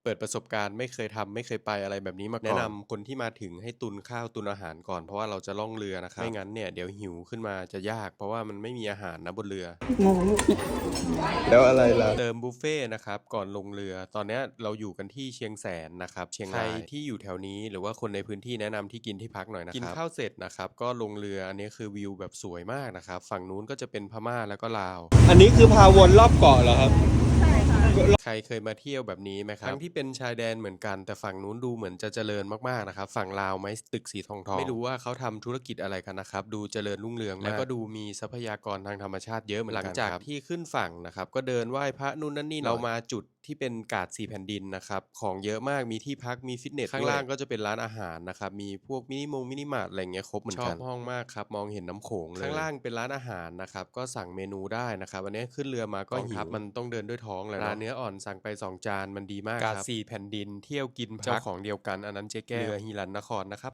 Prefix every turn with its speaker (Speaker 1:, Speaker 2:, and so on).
Speaker 1: ปิดประสบการณ์ไม่เคยทำไม่เคยไปอะไรแบบนี้มาก่อนแนะนำคนที่มาถึงให้ตุนข้าวตุนอาหารก่อนเพราะว่าเราจะล่องเรือนะครับไม่งั้นเนี่ยเดี๋ยวหิวขึ้นมาจะยากเพราะว่ามันไม่มีอาหารนะบนเรือแล้วอะไรล่ะเติมบุฟเฟ่นะครับก่อนลงเรือตอนนี้เราอยู่กันที่เชียงแสนนะครับเชียงรายที่อยู่แถวนี้หรือว่าคนในพื้นที่แนะนำที่กินที่พักหน่อยนะครับกินข้าวเสร็จนะครับก็ลงเรืออันนี้คือวิวแบบสวยมากนะครับฝั่งนู้นก็จะเป็นพม่าแล้วก็ลาวอันนี้คือพาวนรอบเกาะเหรอครับใครเคยมาเที่ยวแบบนี้ไหมครับทั้งที่เป็นชายแดนเหมือนกันแต่ฝั่งนู้นดูเหมือนจะเจริญมากๆนะครับฝั่งลาวไหมตึกสีทองไม่รู้ว่าเขาทำธุรกิจอะไรกันนะครับดูเจริญรุ่งเรืองมากแล้วก็ดูมีทรัพยากรทางธรรมชาติเยอะเหมือนกันหลังจากที่ขึ้นฝั่งนะครับก็เดินไหว้พระนู่นนั่นนี่เรามาจุดที่เป็นกาดสีแผ่นดินนะครับของเยอะมากมีที่พักมีฟิตเนสข้างล่างก็จะเป็นร้านอาหารนะครับมีพวกมินิมาร์ทอะไรเงี้ยครบเหมือนกันชอบห้องมากครับมองเห็นน้ำโขงเลยข้างล่างเป็นร้านอาหารนะครับก็สั่งเมนูได้นะครับวันนี้ขึ้นเรือมาก็หิวมันต้องเดินด้วยท้องเลยร้านเนื้ออ่อนสั่งไป2 จานมันดีมากครับกาดสีแผ่นดินเที่ยวกินเจ้าของเดียวกันอันนั้นเจ๊แก้วเรือฮิรัญนครนะครับ